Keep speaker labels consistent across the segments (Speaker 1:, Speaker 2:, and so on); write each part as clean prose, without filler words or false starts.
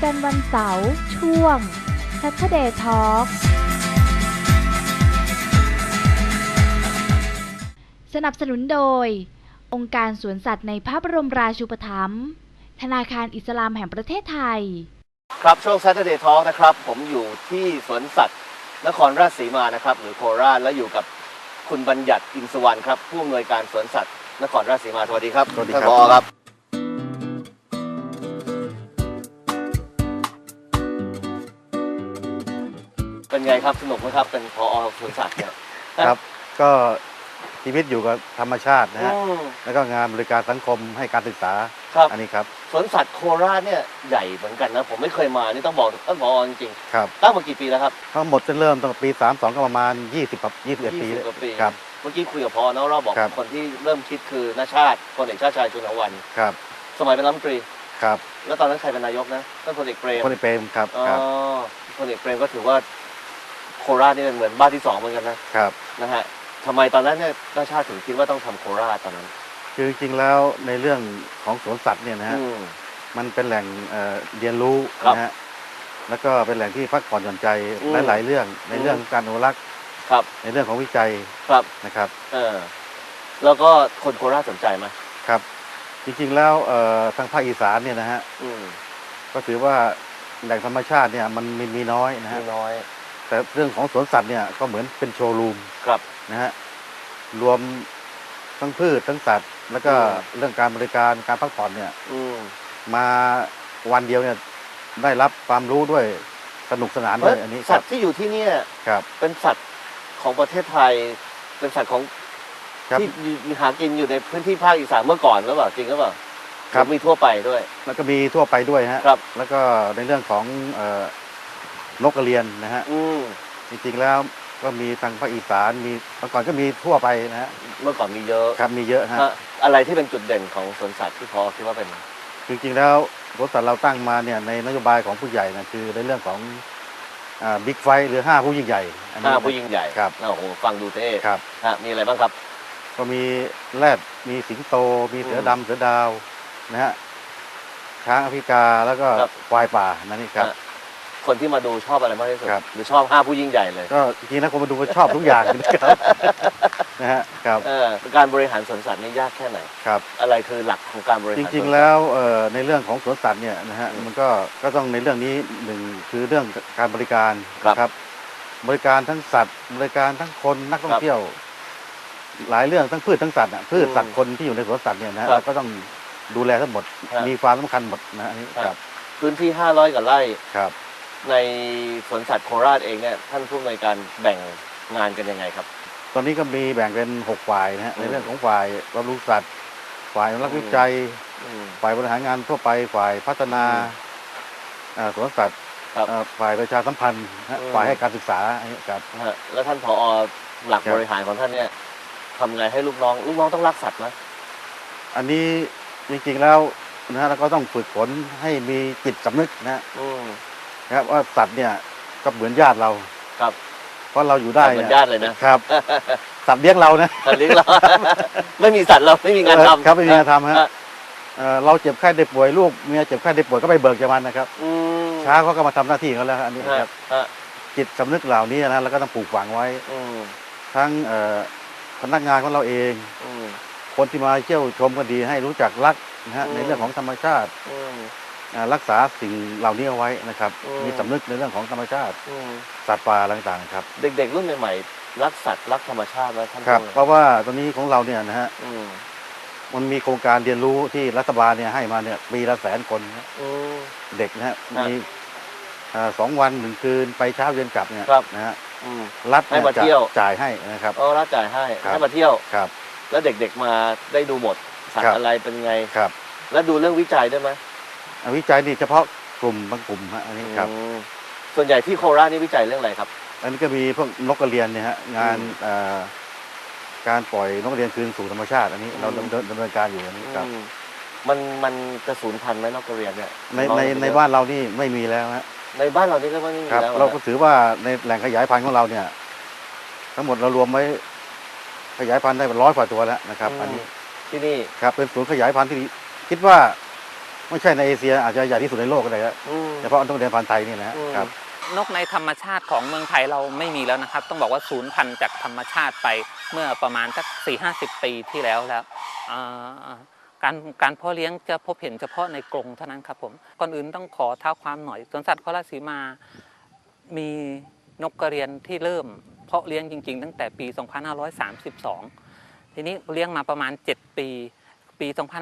Speaker 1: กันวันเสาร์ช่วง Saturday Talk สนับสนุนโดยองค์การสวนสัตว์ในพระบรมราชูปถัมภ์ธนาคารอิสลามแห่งประเทศไทย
Speaker 2: ครับช่วง Saturday Talk นะครับผมอยู่ที่สวนสัตว์นครราชสีมานะครับหรือโคราชและอยู่กับคุณบัญญัติอินทร์สุวรรณครับผู้อำนวยการสวนสัตว์นครราชสีมาสวัสดีครับ
Speaker 3: สวัสดี
Speaker 2: ท่าน
Speaker 3: ครับ
Speaker 2: ผอครับเป็นไงครับสนุกไหมครับเป็นผอสวนสัตว์เนี่ย
Speaker 3: ครับก็ชีวิตอยู่กับธรรมชาตินะฮะ
Speaker 2: อืม
Speaker 3: แล้วก็งานบริการสังคมให้การศึกษา
Speaker 2: ครับ
Speaker 3: อันนี้ครับ
Speaker 2: สวนสัตว์โคราชเนี่ยใหญ่เหมือนกันนะผมไม่เคยมานี่ต้องบอกท่านผอจริง
Speaker 3: ครับ
Speaker 2: ๆตั้งมากี่ปีแล้วครับ
Speaker 3: ทั้งหมดจะเริ่มตั้งแต่ปี32ก็ประมาณ20ครับ21 ปี
Speaker 2: 20 กว่าปี
Speaker 3: ครับ
Speaker 2: เมื่อกี้คุยกับพอเนาะเราบอก
Speaker 3: ครับ
Speaker 2: คนที่เริ่มคิดคือณชาติพลเอกชาติชายชุนหวัน
Speaker 3: ครับ
Speaker 2: สมัยเป็นรัฐมนตรี
Speaker 3: ครับ
Speaker 2: แล้วตอนนั้นใครเป็นนายกนะท่านพลเอกเปรม
Speaker 3: คนในเปรมครับ
Speaker 2: อ๋อ
Speaker 3: ครับ
Speaker 2: พลเอกเปรมก็ถือว่าโคราชนี่เป็นเหมือนบ้านที่สองเหมือนกันนะครับ นะฮะทำไมตอนนั้นเนี่ยณชาติถึงคิดว่าต้องทำโคราชตอนนั้น
Speaker 3: คือจริงๆแล้วในเรื่องของสวนสัตว์เนี่ยนะฮะ
Speaker 2: อืม
Speaker 3: มันเป็นแหล่งเรียนรู้
Speaker 2: ครับ
Speaker 3: นะฮะแล้วก็เป็นแหล่งที่พักผ่อนหย่อนใจ
Speaker 2: อืม
Speaker 3: หลายๆเรื่องในเรื่องการอนุรักษ์
Speaker 2: ครับ
Speaker 3: ในเรื่องของวิจัย
Speaker 2: ครับ
Speaker 3: นะครับ
Speaker 2: แล้วก็คนโคราชสนใจไหม
Speaker 3: ครับ จริงๆแล้วทางภาคอีสานเนี่ยนะฮะ
Speaker 2: อืม
Speaker 3: ก็ถือว่าแหล่งธรรมชาติเนี่ยมันมีน้อยนะฮะ
Speaker 2: มีน้อย
Speaker 3: แต่เรื่องของสวนสัตว์เนี่ยก็เหมือนเป็นโชว์รูม
Speaker 2: ครับ
Speaker 3: นะฮะรวมทั้งพืชทั้งสัตว์ แล้วก็
Speaker 2: อืม
Speaker 3: เรื่องการบริการการพักผ่อนเนี่ย
Speaker 2: อืม
Speaker 3: มาวันเดียวเนี่ยได้รับความรู้ด้วยสนุกสนานด้วยอันนี้ค
Speaker 2: สั
Speaker 3: รั
Speaker 2: ต
Speaker 3: บ
Speaker 2: ว์ที่อยู่ที่เนี่ย
Speaker 3: ครับ
Speaker 2: เป็นสัตว์ของประเทศไทย เป็นสัตว์ของ
Speaker 3: ครับ
Speaker 2: ที่มีหากินอยู่ในพื้นที่ภาคอีสานเมื่อก่อนหรือเปล่าจริงหรือเปล่า
Speaker 3: ครับ
Speaker 2: หอมีทั่วไปด้วย
Speaker 3: แล้วก็มีทั่วไปด้วยฮะ
Speaker 2: ครับ
Speaker 3: แล้วก็ในเรื่องของนกกระเรียนนะฮะ
Speaker 2: อืม
Speaker 3: จริงๆแล้วก็มีทางภาคอีสานมีเมื่อก่อนก็มีทั่วไปนะฮะ
Speaker 2: เมื่อก่อนมีเยอะ
Speaker 3: ครับมีเยอะฮะ
Speaker 2: ฮะอะไรที่เป็นจุดเด่นของสวนสัตว์ที่พอคิดว่าเป็น
Speaker 3: จริงๆแล้วบริษัทเราตั้งมาเนี่ยในนโยบายของผู้ใหญ่นะคือในเรื่องของบิ๊กไฟหรือ5 ผู้ยิ่งใหญ่อันนี้
Speaker 2: ห้าผู้ยิ่งใหญ่
Speaker 3: ครับ
Speaker 2: โอ้โหฟังดูเท่
Speaker 3: ครับ
Speaker 2: ฮะมีอะไรบ้างครับ
Speaker 3: ก็มีแรดมีสิงโต มีเสือดำเสือดาวนะฮะช้างแอฟริกาแล้วก็
Speaker 2: ครับ
Speaker 3: ควายป่านั่นนี่ครับ
Speaker 2: ฮะคนที่มาดูชอบอะไรมากที่สุด
Speaker 3: ครับ
Speaker 2: หรือชอบห้าผู้ยิ่งใหญ่เลย
Speaker 3: ก็จริงๆแล้วคนมาดูก็ชอบทุกอย่างนะครับ นะฮะครับ
Speaker 2: การบริหารสวนสัตว์นี่ยากแค่ไหน
Speaker 3: ครับ
Speaker 2: อะไรคือหลักของการบริหาร
Speaker 3: จ
Speaker 2: สวนสัต
Speaker 3: ริงๆแล้วในเรื่องของสวนสัตว์เนี่ยนะฮะ
Speaker 2: อืม
Speaker 3: มันก็ต้องในเรื่องนี้หนึ่งคือเรื่องการบริการ
Speaker 2: ครับ
Speaker 3: นะครับ บริการทั้งสัตว์ บริการทั้งคนนักท่องเที่ยว หลายเรื่องทั้งพืชทั้งสัตว์อะพืชสัตว์คนที่อยู่ในสวนสัตว์เนี่ยนะฮะ
Speaker 2: ครับ
Speaker 3: เราก็ต้องดูแลทั้งหมด
Speaker 2: ครับ
Speaker 3: มีความสำคัญหมดนะอันนี้
Speaker 2: ครับ
Speaker 3: ครับ
Speaker 2: พื้นที่ 500 กว่าไร่
Speaker 3: ครับ
Speaker 2: ในสวนสัตว์โคราชเองเนี่ยท่านผู้อำนวยการแบ่งงานกันยังไงครับ
Speaker 3: ตอนนี้ก็มีแบ่งเป็น6 ฝ่ายนะฮะ
Speaker 2: อืม
Speaker 3: ในเรื่องของฝ่ายบำรุงสัตว์ ฝ่ายอนุรักษ์วิจัย
Speaker 2: อืม
Speaker 3: ฝ่ายบริหารงานทั่วไป ฝ่ายพัฒนาสวนสัตว์
Speaker 2: ครับ
Speaker 3: ฝ่ายประชาสัมพันธ์นะฮะ
Speaker 2: อืม
Speaker 3: ฝ่ายให้การศึกษาอันนี้ครับ
Speaker 2: นะฮะแล้วท่านผอหลัก
Speaker 3: ครับ
Speaker 2: บริหารของท่านเนี่ยทำไงให้ลูกน้องต้องรักสัตว์ไหม
Speaker 3: อันนี้จริงๆแล้วนะฮะเราก็ต้องฝึกฝนให้มีจิตสำนึกนะฮะ
Speaker 2: อืม
Speaker 3: นะครับว่าสัตว์เนี่ยก็เหมือนญาติเรา
Speaker 2: ครับ
Speaker 3: เพราะเราอยู่ได้
Speaker 2: เหมือนญาติเลยนะครับ
Speaker 3: สัตว์เลี้ยงเรานะ
Speaker 2: สัตว์เลี้ยงเรา ไม่มีสัตว์เราไม่มีงานทำ
Speaker 3: ครับไม่มีงานทำฮะ
Speaker 2: ฮะ
Speaker 3: เราเจ็บไข้ได้ป่วยลูกเมียเจ็บไข้ได้ป่วยก็ไปเบิกจากมันนะครับ
Speaker 2: อืม
Speaker 3: ช้าเขาก็มาทำหน้าที่ของเขาแล้วฮะอันนี้
Speaker 2: ฮะ
Speaker 3: ครับ
Speaker 2: ฮะ
Speaker 3: จิตสำนึกเหล่านี้นะแล้วก็ต้องปลูกฝังไว้
Speaker 2: อืม
Speaker 3: ทั้งพนักงานของเราเอง
Speaker 2: อืม
Speaker 3: คนที่มาเที่ยวชมก็ดีให้รู้จักรักนะฮะ
Speaker 2: อืม
Speaker 3: ในเรื่องของธรรมชาติ
Speaker 2: อืม
Speaker 3: รักษาสิ่งเหล่านี้เอาไว้นะครับ
Speaker 2: อืม
Speaker 3: มีสำนึกในเรื่องของธรรมชาติ
Speaker 2: อืม
Speaker 3: สัตว์ป่าต่างๆครับ
Speaker 2: เด็กๆรุ่นใหม่ๆรักสัตว์รักธรรมชาติแล้วท่าน
Speaker 3: ครับ
Speaker 2: ผู้
Speaker 3: เพราะว่าตอนนี้ของเราเนี่ยนะฮะ
Speaker 2: อืม
Speaker 3: มันมีโครงการเรียนรู้ที่รัฐบาลเนี่ยให้มาเนี่ยปีละ100,000 คนนะ
Speaker 2: อืม
Speaker 3: เด็กนะฮะ
Speaker 2: ครับ
Speaker 3: มี2 วัน 1 คืนไปเช้าเย็นกลับเนี่ย
Speaker 2: ครับ
Speaker 3: นะฮะ
Speaker 2: อืม
Speaker 3: รัฐ
Speaker 2: ให้มา
Speaker 3: จะ
Speaker 2: เที่ยว
Speaker 3: จ่ายให้นะครับ
Speaker 2: อ๋อรัฐจ่ายให้
Speaker 3: ครับ
Speaker 2: ให้มาเที่ยว
Speaker 3: ครับ
Speaker 2: แล้วเด็กๆมาได้ดูหมดสัต
Speaker 3: ครั
Speaker 2: ว์
Speaker 3: บ
Speaker 2: อะไรเป็นไง
Speaker 3: ครับ
Speaker 2: แล้วดูเรื่องวิจัยด้วยไหม
Speaker 3: วิจัยนี่เฉพาะกลุ่มบางกลุ่มฮะอันนี้ครับ
Speaker 2: อืมส่วนใหญ่ที่โคราชนี่วิจัยเรื่องอะไรครับ
Speaker 3: อันนี้ก็มีพวกนกกระเรียนเนี่ยฮะงาน การปล่อยนกกระเรียนคืนสู่ธรรมชาติ อันนี้เรา
Speaker 2: อืม
Speaker 3: ดำเนินการอยู่อันนี้ครับ
Speaker 2: อืมมันจะสูญพันธุ์ไหมนกกระเรียนเนี่ย
Speaker 3: ในบ้านเรานี่ไม่มีแล้วฮะ
Speaker 2: ในบ้านเรานี่ก็ไม่มี
Speaker 3: ครับ
Speaker 2: แล้ว
Speaker 3: เราก็
Speaker 2: นะ
Speaker 3: ถือว่าในแหล่งขยายพันธุ์ของเราเนี่ย ทั้งหมดเรารวมไว้ขยายพันธุ์ได้100 กว่าตัวแล้วนะครับ อันนี้
Speaker 2: ที่นี่
Speaker 3: ครับเป็นศูนย์ขยายพันธุ์ที่คิดว่าไม่ใช่ในเอเชียอาจจะใหญ่ที่สุดในโลกก็ได้ครับ
Speaker 2: อืม
Speaker 3: เฉพาะนกกระเรียนพันธุ์ไทยนี่นะฮะ
Speaker 2: อืม
Speaker 3: ครับ
Speaker 4: นกในธรรมชาติของเมืองไทยเราไม่มีแล้วนะครับต้องบอกว่าสูญพันธุ์จากธรรมชาติไปเมื่อประมาณสัก4-50 ปีที่แล้วอ่าการเพาะเลี้ยงจะพบเห็นเฉพาะในกรงเท่านั้นครับผมก่อนอื่นต้องขอเท้าความหน่อยสวนสัตว์โคราชสีมามีนกกระเรียนที่เริ่มเพาะเลี้ยงจริงๆตั้งแต่ปี 2532 ทีนี้เลี้ยงมาประมาณ 7 ปี ปี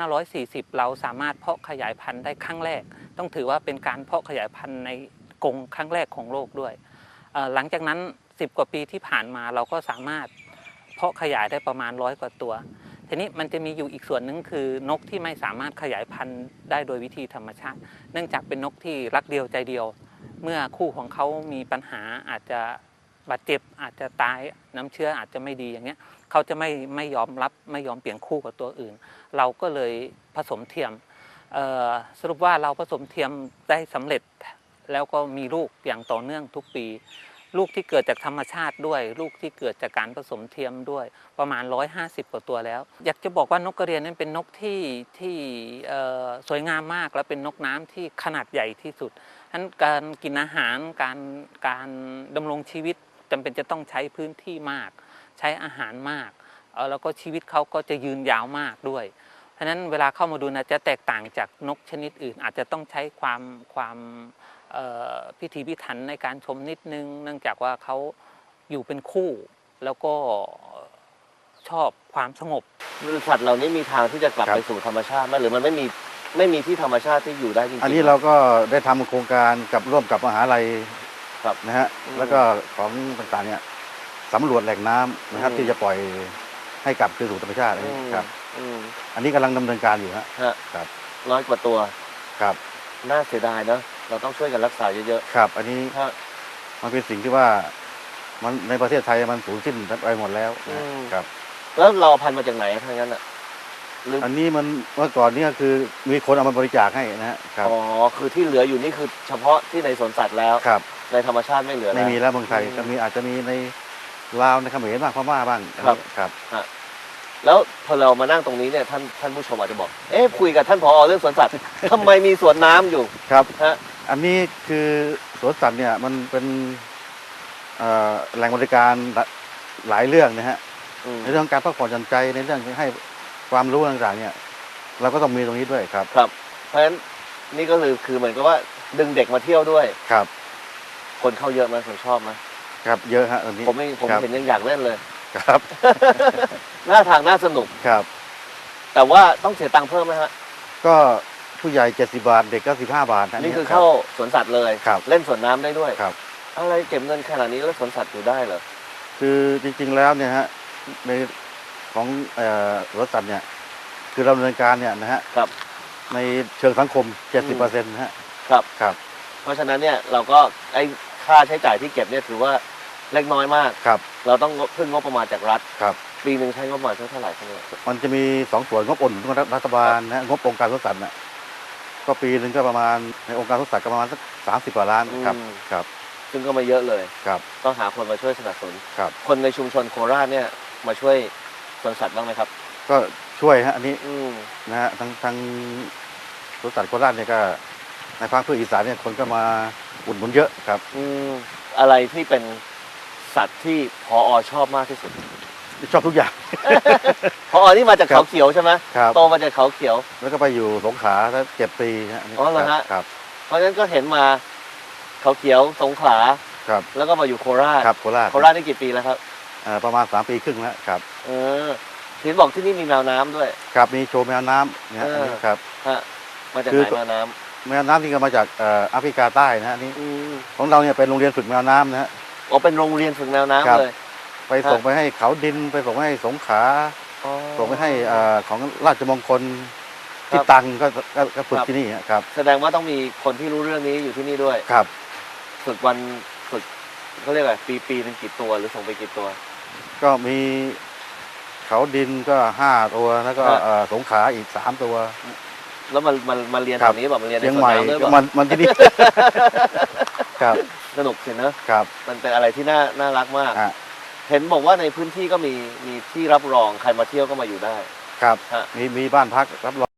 Speaker 4: 2540 เราสามารถเพาะขยายพันธุ์ได้ครั้งแรกต้องถือว่าเป็นการเพาะขยายพันธุ์ในกรงครั้งแรกของโลกด้วยหลังจากนั้น10 กว่าปีที่ผ่านมาเราก็สามารถเพาะขยายได้ประมาณ100 กว่าตัวทีนี้มันจะมีอยู่อีกส่วนหนึ่งคือนกที่ไม่สามารถขยายพันธุ์ได้โดยวิธีธรรมชาติเนื่องจากเป็นนกที่รักเดียวใจเดียวเมื่อคู่ของเขามีปัญหาอาจจะบาดเจ็บอาจจะตายน้ำเชื้ออาจจะไม่ดีอย่างเงี้ยเขาจะไม่ยอมรับไม่ยอมเปลี่ยนคู่กับตัวอื่นเราก็เลยผสมเทียมสรุปว่าเราผสมเทียมได้สำเร็จแล้วก็มีลูกอย่างต่อเนื่องทุกปีลูกที่เกิดจากธรรมชาติด้วยลูกที่เกิดจากการผสมเทียมด้วยประมาณ150 กว่าตัวแล้วอยากจะบอกว่านกกระเรียนนั้นเป็นนกที่สวยงามมากและเป็นนกน้ำที่ขนาดใหญ่ที่สุดฉะนั้นการกินอาหารการดำรงชีวิตจำเป็นจะต้องใช้พื้นที่มากใช้อาหารมากแล้วก็ชีวิตเขาก็จะยืนยาวมากด้วยฉะนั้นเวลาเข้ามาดูนะจะแตกต่างจากนกชนิดอื่นอาจจะต้องใช้ความพิถีพิถันในการชมนิดนึงเนื่องจากว่าเขาอยู่เป็นคู่แล้วก็ชอบความสงบ
Speaker 2: สัตว์เหล่านี้มีทางที่จะกลับ
Speaker 3: ครับ
Speaker 2: ไปสู่ธรรมชาติไหมหรือมันไม่มีที่ธรรมชาติที่อยู่ได้จริงๆ
Speaker 3: อันนี้เราก็ได้ทำโครงการกับร่วมกับมหาลัย
Speaker 2: ครับ
Speaker 3: นะฮะ
Speaker 2: อืม
Speaker 3: แล้วก็ของต่างๆเนี่ยสำรวจแหล่งน้ำนะครับ
Speaker 2: อืม
Speaker 3: ที่จะปล่อยให้กลับคืนสู่ธรรมชาติครับ
Speaker 2: อืม
Speaker 3: อันนี้กำลังดำเนินการอยู่ฮะ
Speaker 2: ฮะ
Speaker 3: ครับ
Speaker 2: 100 กว่าตัว
Speaker 3: ครับ
Speaker 2: น่าเสียดายเนอะเราต้องช่วยกันรักษาเยอะ
Speaker 3: ครับ อันนี้
Speaker 2: ๆฮะ
Speaker 3: มันเป็นสิ่งที่ว่ามันในประเทศไทยมันสูญสิ้นไปหมดแล้วนะ
Speaker 2: อืม
Speaker 3: ครับ
Speaker 2: แล้วเราเอาพันธุ์มาจากไหนทางนั้นอ่ะหรือ
Speaker 3: อันนี้มันเมื่อก่อนนี่ก็คือมีคนเอามาบริจาคให้นะฮะครับ
Speaker 2: อ๋อคือที่เหลืออยู่นี่คือเฉพาะที่ในสวนสัตว์แล้ว
Speaker 3: ครับ
Speaker 2: ในธรรมชาติไม่เหลือแล้ว
Speaker 3: ไม่มีแล้วเมืองไทย
Speaker 2: อืม
Speaker 3: ก็มีอาจจะมีในลาวในเขมรบ้างพม่าบ้าง
Speaker 2: ครับ
Speaker 3: ครับ
Speaker 2: แล้วพอเรามานั่งตรงนี้เนี่ยท่านผู้ชมอาจจะบอกเอ๊ะคุยกับท่านผอเรื่องสวนสัตว์ ทำไมมีสวนน้ำอยู่
Speaker 3: ครับ
Speaker 2: ฮะ
Speaker 3: อันนี้คือสวนสัตว์เนี่ยมันเป็นแหล่งบริการหลายเรื่องนะฮะ
Speaker 2: อืม
Speaker 3: ในเรื่องการพักผ่อนหย่อนใจในเรื่องให้ความรู้ต่างๆเนี่ยเราก็ต้องมีตรงนี้ด้วยครับ
Speaker 2: ครับ เพราะฉะนั้นนี่ก็คือเหมือนกับว่าดึงเด็กมาเที่ยวด้วย
Speaker 3: ครับ
Speaker 2: คนเข้าเยอะไหมคนชอบไหม
Speaker 3: ครับเยอะฮะตอนนี้
Speaker 2: ผม
Speaker 3: ครับ
Speaker 2: เห็นยังอยากเล่นเลย
Speaker 3: ครับ
Speaker 2: น่าทางน่าสนุก
Speaker 3: ครับ
Speaker 2: แต่ว่าต้องเสียตังค์เพิ่มไหมฮะ
Speaker 3: ก็ผู้ใหญ่70 บาทเด็กก็15 บาท
Speaker 2: นี่คือเข้าสวนสัตว์เลย
Speaker 3: ครับ
Speaker 2: เล่นสวนน้ำได้ด้วย
Speaker 3: ครับ
Speaker 2: อะไรเก็บเงินขนาดนี้แล้วสวนสัตว์อยู่ได้เหรอ
Speaker 3: คือจริงๆแล้วเนี่ยฮะในของสวนสัตว์เนี่ยคือเราดำเนินการเนี่ยนะฮะ
Speaker 2: ครับ
Speaker 3: ในเชิงสังคม 70%นะฮะ
Speaker 2: ครับ
Speaker 3: ครับ
Speaker 2: เพราะฉะนั้นเนี่ยเราก็ไอ้ค่าใช้จ่ายที่เก็บเนี่ยถือว่าเล็กน้อยมาก
Speaker 3: ครับ
Speaker 2: เราต้องพึ่งงบประมาณจากรัฐ
Speaker 3: ครับ
Speaker 2: ปีหนึ่งใช้งบประมาณเท่าไหร่ครับเนี่ย
Speaker 3: มันจะมี2 ส่วนงบอุดหนุนของรัฐบาลนะฮะงบองค์การสวนสัตว์น่ะก็ปีหนึ่งก็ประมาณในองค์การสวนสัตว์ก็ประมาณสัก30 กว่าล้านครับครับ
Speaker 2: ซึ่งก็ไม่เยอะเลย
Speaker 3: ครับ
Speaker 2: ต้องหาคนมาช่วยสนับสนุน
Speaker 3: ครับ
Speaker 2: คนในชุมชนโคราชเนี่ยมาช่วยสวนสัตว์บ้างไหมครับ
Speaker 3: ก็ช่วยฮะอันนี้
Speaker 2: อืม
Speaker 3: นะฮะทางสวนสัตว์โคราชเนี่ยก็ในภาคพื้นอีสานเนี่ยคนก็มาอุดหนุนเยอะครับ
Speaker 2: อืมอะไรที่เป็นสัตว์ที่พอชอบมากที่สุด
Speaker 3: ชอบทุกอย่าง
Speaker 2: พอนี่มาจากเขาเขียวใช่ไหม
Speaker 3: ครับ
Speaker 2: โตมาจากเขาเขียว
Speaker 3: แล้วก็ไปอยู่สงขลาแล้ว7 ปีฮะนนี้
Speaker 2: อ๋อเหรอฮะ
Speaker 3: ครับ
Speaker 2: เพราะฉะนั้นก็เห็นมาเขาเขียวสงขลา
Speaker 3: ครับ
Speaker 2: แล้วก็มาอยู่โคราช
Speaker 3: ครับโคราช
Speaker 2: โคราชนี่กี่ปีแล้วครับ
Speaker 3: ประมาณ3 ปีครึ่งแล้วครับ
Speaker 2: เออทีนบอกที่นี่มีแมวน้ำด้วย
Speaker 3: ครับมีโชว์แมวน้ำนะฮะอันนี้ครับ
Speaker 2: ฮะมาจาก
Speaker 3: คื
Speaker 2: ไห
Speaker 3: อ
Speaker 2: นแมวน้
Speaker 3: แมวน้ำนี่ก็มาจากแอฟริกาใต้นะฮะนี่
Speaker 2: ำอืม
Speaker 3: ของเราเนี่ยเป็นโรงเรียนฝึกแมวน้ำนะฮะ
Speaker 2: อ๋อเป็นโรงเรียนฝึกแมว
Speaker 3: ครั
Speaker 2: น้ำ
Speaker 3: บ
Speaker 2: เลย
Speaker 3: ไปส่งไปให้เขาดินไปส่งให้สงขลา
Speaker 2: อ๋อ
Speaker 3: ส่งไปให้ของราชมงคล
Speaker 2: ค
Speaker 3: ที่
Speaker 2: รับ
Speaker 3: ตังก็ฝึก
Speaker 2: ครับ
Speaker 3: ที่นี่ครับ
Speaker 2: แสดงว่าต้องมีคนที่รู้เรื่องนี้อยู่ที่นี่ด้วย
Speaker 3: ครับ
Speaker 2: ฝึกวันฝึกเขาเรียกอะไรปีหนึงกี่ตัวหรือส่งไปกี่ตัว
Speaker 3: ก็มีเขาดินก็5 ตัวแล้วก็
Speaker 2: ครับ
Speaker 3: สงขลาอีก3 ตัว
Speaker 2: แล้วมาเรียน
Speaker 3: ค
Speaker 2: แบ
Speaker 3: รับบ
Speaker 2: นี้แบบมาเรียนใน
Speaker 3: เชียง
Speaker 2: สวน
Speaker 3: ใหม่
Speaker 2: น้ำด้วยแบบ
Speaker 3: มันที่นี่ ครับ
Speaker 2: สนุกสินะ
Speaker 3: ครับ
Speaker 2: มันเป็นอะไรที่น่ารักมาก
Speaker 3: อ่ะ
Speaker 2: เห็นบอกว่าในพื้นที่ก็มีที่รับรองใครมาเที่ยวก็มาอยู่ได้
Speaker 3: ครับ
Speaker 2: ฮะ
Speaker 3: มีบ้านพักรับรอง